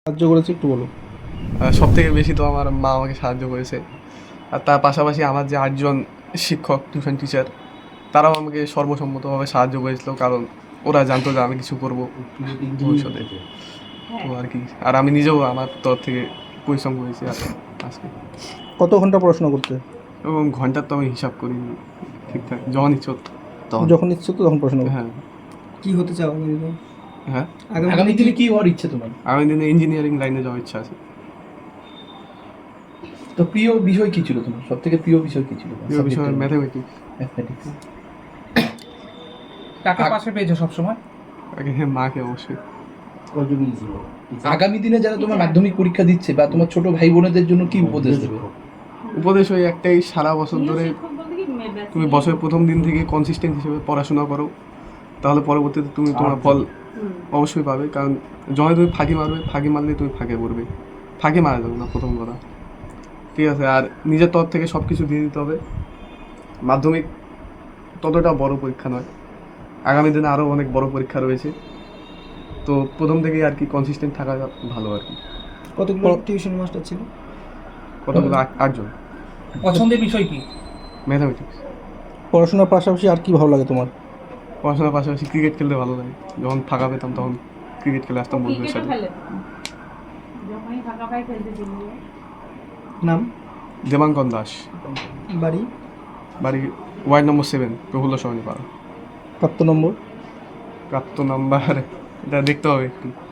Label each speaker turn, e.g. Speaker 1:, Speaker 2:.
Speaker 1: সাহায্য করেছে একটু বলো।
Speaker 2: সব থেকে বেশি তো আমার মা আমাকে সাহায্য করেছে। আর তার পাশাপাশি আমার যে ৮ জন শিক্ষক, টিউশন টিচার, তারাও আমাকে সর্বসম্মতভাবে সাহায্য করেছিল। কারণ ওরা জানতো যে আমি কিছু করব ভবিষ্যতে। তো আর কি, আর আমি নিজেও আমার তরফ থেকে পরিশ্রম করেছি আজকে।
Speaker 1: কত ঘন্টা পড়াশোনা করতে?
Speaker 2: এবং ঘন্টার তো আমি হিসাব করিনি ঠিকঠাক, যখন ইচ্ছে হতো তখন।
Speaker 1: যখন ইচ্ছে তো তখন পড়াশোনা করতে।
Speaker 2: হ্যাঁ।
Speaker 3: কি হতে চাও আগামী দিনে?
Speaker 2: হ্যাঁ,
Speaker 3: আগামী দিনে কি হওয়ার ইচ্ছে তোমার?
Speaker 2: আগামী দিনে ইঞ্জিনিয়ারিং লাইনে যাওয়ার ইচ্ছা আছে।
Speaker 3: তো প্রিয় বিষয় কি ছিল তোমার? সবথেকে প্রিয় বিষয় কি ছিল?
Speaker 2: প্রিয় বিষয় ম্যাথামেটিক্স।
Speaker 3: ম্যাথমেটিক্স।
Speaker 4: কাকে পাশে পেয়েছো সবসময়?
Speaker 2: আগে মাকে অবশ্যই।
Speaker 3: আগামী দিনে যারা তোমার মাধ্যমিক পরীক্ষা দিচ্ছে বা তোমার ছোট ভাই বোনেদের জন্য কি উপদেশ দেবে?
Speaker 2: উপদেশ ওই একটাই, সারা বছর ধরে তুমি বছরের প্রথম দিন থেকে কনসিস্টেন্ট হিসেবে পড়াশোনা করো, তাহলে পরবর্তীতে তুমি তোমার ফল অবশ্যই পাবে। কারণ যখন তুমি ফাঁকি মারবে, ফাঁকি মারলে তুমি ফাঁকে পড়বে, ফাঁকি মারা যাবে না প্রথম কথা, ঠিক আছে? আর নিজের তরফ থেকে সব কিছু দিয়ে দিতে হবে। মাধ্যমিক ততটা বড় পরীক্ষা নয়, আগামী দিনে আরও অনেক বড় পরীক্ষা রয়েছে। তো প্রথম থেকেই আর কি কনসিস্টেন্ট থাকা ভালো আর কি।
Speaker 3: কতগুলো টিউশন মাস্টার ছিল?
Speaker 2: কতগুলো? 8 জন।
Speaker 4: পছন্দের বিষয় কি?
Speaker 2: ম্যাথামেটিক্স।
Speaker 1: পড়াশোনার পাশাপাশি আর কি ভালো লাগে তোমার?
Speaker 2: পড়াশোনার পাশাপাশি ক্রিকেট খেলতে ভালো লাগে। যখন ফাঁকা পেতাম তখন ক্রিকেট খেলে আসতাম বন্ধুদের সাথে।
Speaker 3: নাম?
Speaker 2: দেবাঙ্কন দাস।
Speaker 3: বাড়ি?
Speaker 2: বাড়ি ওয়ার্ড নম্বর 7, প্রফুল্ল সরণি পাড়া।
Speaker 1: প্রাপ্ত নম্বর?
Speaker 2: প্রাপ্ত নাম্বার এটা দেখতে হবে একটু।